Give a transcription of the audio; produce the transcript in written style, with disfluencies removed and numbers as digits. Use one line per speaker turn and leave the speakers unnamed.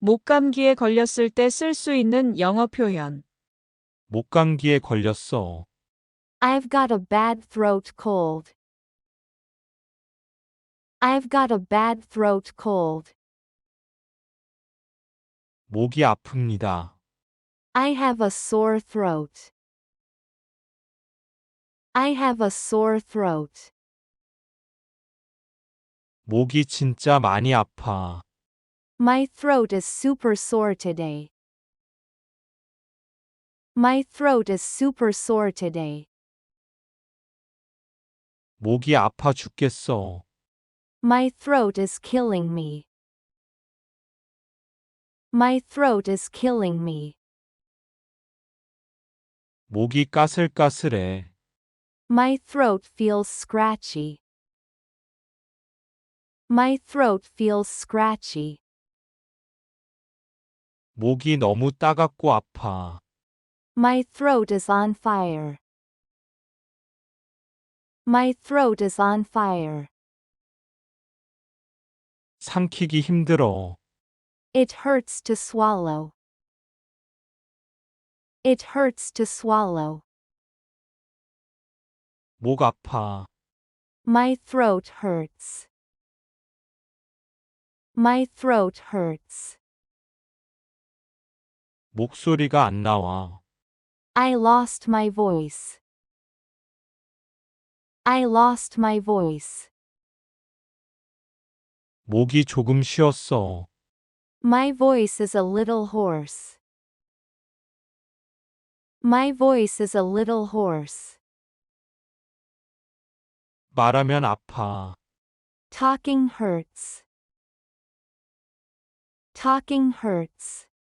목감기에 걸렸을 때 쓸 수 있는 영어 표현.
목감기에 걸렸어.
I've got a bad throat cold. I've got a bad throat cold.
목이 아픕니다.
I have a sore throat. I have a sore throat.
목이 진짜 많이 아파.
My throat is super sore today. My throat is super sore today.
목이 아파 죽겠어.
My throat is killing me. My throat is killing me.
목이 까슬까슬해.
My throat feels scratchy. My throat feels scratchy.
목이 너무 따갑고 아파.
My throat is on fire. My throat is on fire.
삼키기 힘들어.
It hurts to swallow. It hurts to swallow.
목 아파.
My throat hurts. My throat hurts.
목소리가 안 나와.
I lost my voice. I lost my voice.
목이 조금 쉬었어.
My voice is a little hoarse. My voice is a little hoarse.
말하면 아파.
Talking hurts. Talking hurts.